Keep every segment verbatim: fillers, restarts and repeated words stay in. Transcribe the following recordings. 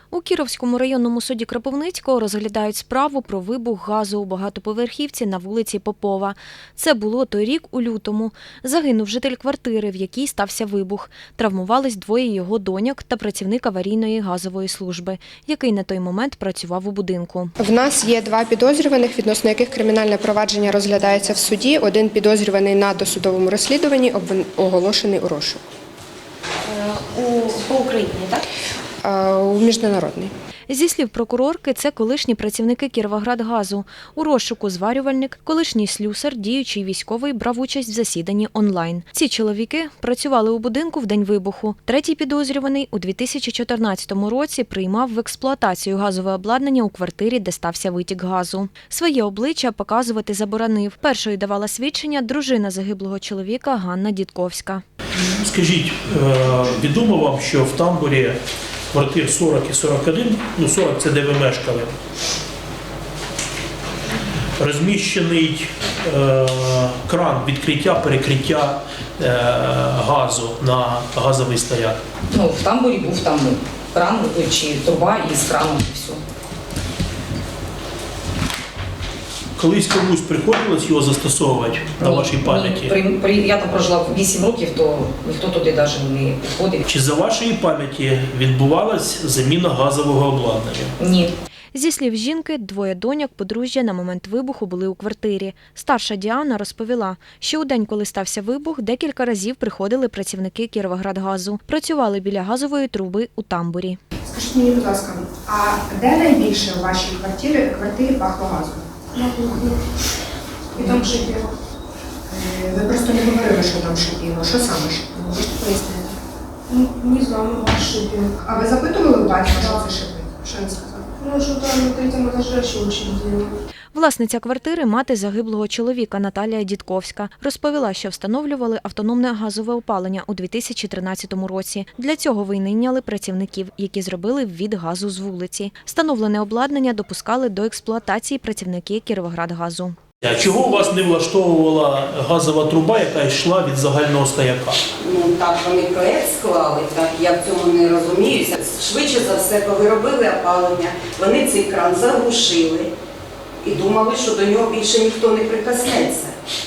У Кіровському районному суді Кропивницького розглядають справу про вибух газу у багатоповерхівці на вулиці Попова. Це було той рік у лютому. Загинув житель квартири, в якій стався вибух. Травмувались двоє його доньок та працівник аварійної газової служби, який на той момент працював у будинку. В нас є два підозрюваних, відносно яких кримінальне провадження розглядається в суді. Один підозрюваний на досудовому розслідуванні, оголошений у розшук. У, по Україні, так? У міжнародний. Зі слів прокурорки, це колишні працівники Кіровоградгазу. У розшуку зварювальник, колишній слюсар, діючий військовий брав участь в засіданні онлайн. Ці чоловіки працювали у будинку в день вибуху. Третій підозрюваний у дві тисячі чотирнадцятому році приймав в експлуатацію газове обладнання у квартирі, де стався витік газу. Своє обличчя показувати заборонив. Першою давала свідчення дружина загиблого чоловіка Ганна Дідковська. Скажіть, відомо вам, що в тамбурі квартир сорок і сорок один, ну сорок – це де ви мешкали, розміщений е, кран відкриття-перекриття е, газу на газовий стояк? Ну, в тамбурі був там кран чи труба із краном і все. Колись комусь приходилось його застосовувати на Ні, вашій пам'яті? Ні. При, при, я там прожила вісім років, то ніхто туди навіть не приходив. Чи за вашої пам'яті відбувалась заміна газового обладнання? Ні. Зі слів жінки, двоє доньок подружжя на момент вибуху були у квартирі. Старша Діана розповіла, що у день, коли стався вибух, декілька разів приходили працівники Кіровоградгазу. Працювали біля газової труби у тамбурі. Скажіть мені, будь ласка, а де найбільше у вашій квартирі, квартирі пахло газом? На кухні. І там шипіло. Ви просто не говорили, що там шипіло. Що саме шипіло? Можете пояснити? Ну, не знаю, ваш шипіло. А ви запитували у батька, що це шипить? Що він сказав? Ну, що там на третьому етажі ще очередь. Власниця квартири – мати загиблого чоловіка Наталія Дідковська. Розповіла, що встановлювали автономне газове опалення у дві тисячі тринадцятому році. Для цього винайняли працівників, які зробили ввід газу з вулиці. Встановлене обладнання допускали до експлуатації працівники Кіровоградгазу. А чого у вас не влаштовувала газова труба, яка йшла від загального стояка? Ну так вони проєкт склали, так я в цьому не розуміюся. Швидше за все, коли робили опалення, вони цей кран заглушили і думали, що до нього більше ніхто не прикоснеться.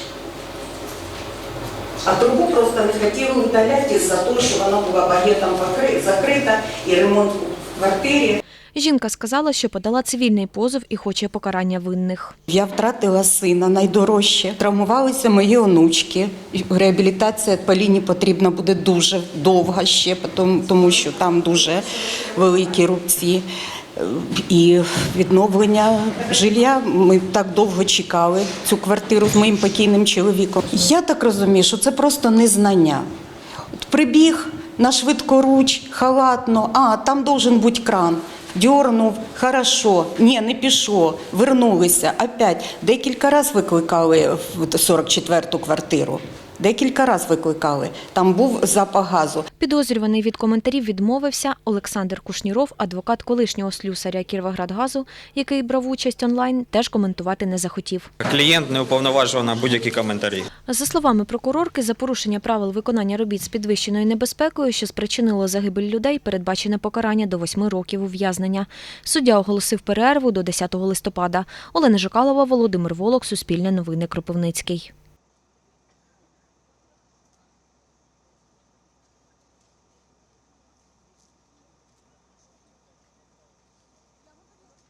А трубу просто не хотіли удаляти із-за того, що вона була багетом закрита і ремонт у квартирі. Жінка сказала, що подала цивільний позов і хоче покарання винних. Я втратила сина, найдорожче. Травмувалися мої онучки. Реабілітація Поліні потрібна буде дуже довга ще, тому що там дуже великі рубці. І відновлення жилья. Ми так довго чекали цю квартиру з моїм покійним чоловіком. Я так розумію, що це просто незнання. От прибіг на швидкоруч, халатно, а там должен бути кран. Дьорнув, хорошо, ні, не пішло, вернулися, опять. Декілька разів викликали в сорок четверту квартиру. Декілька разів викликали. Там був запах газу. Підозрюваний від коментарів відмовився. Олександр Кушніров, адвокат колишнього слюсаря Кіровоградгазу, який брав участь онлайн, теж коментувати не захотів. Клієнт не уповноважував на будь-які коментарі. За словами прокурорки, за порушення правил виконання робіт з підвищеною небезпекою, що спричинило загибель людей, передбачене покарання до восьми років ув'язнення. Суддя оголосив перерву до десятого листопада. Олена Жикалова, Володимир Волок, Суспільне новини, Кропивницький.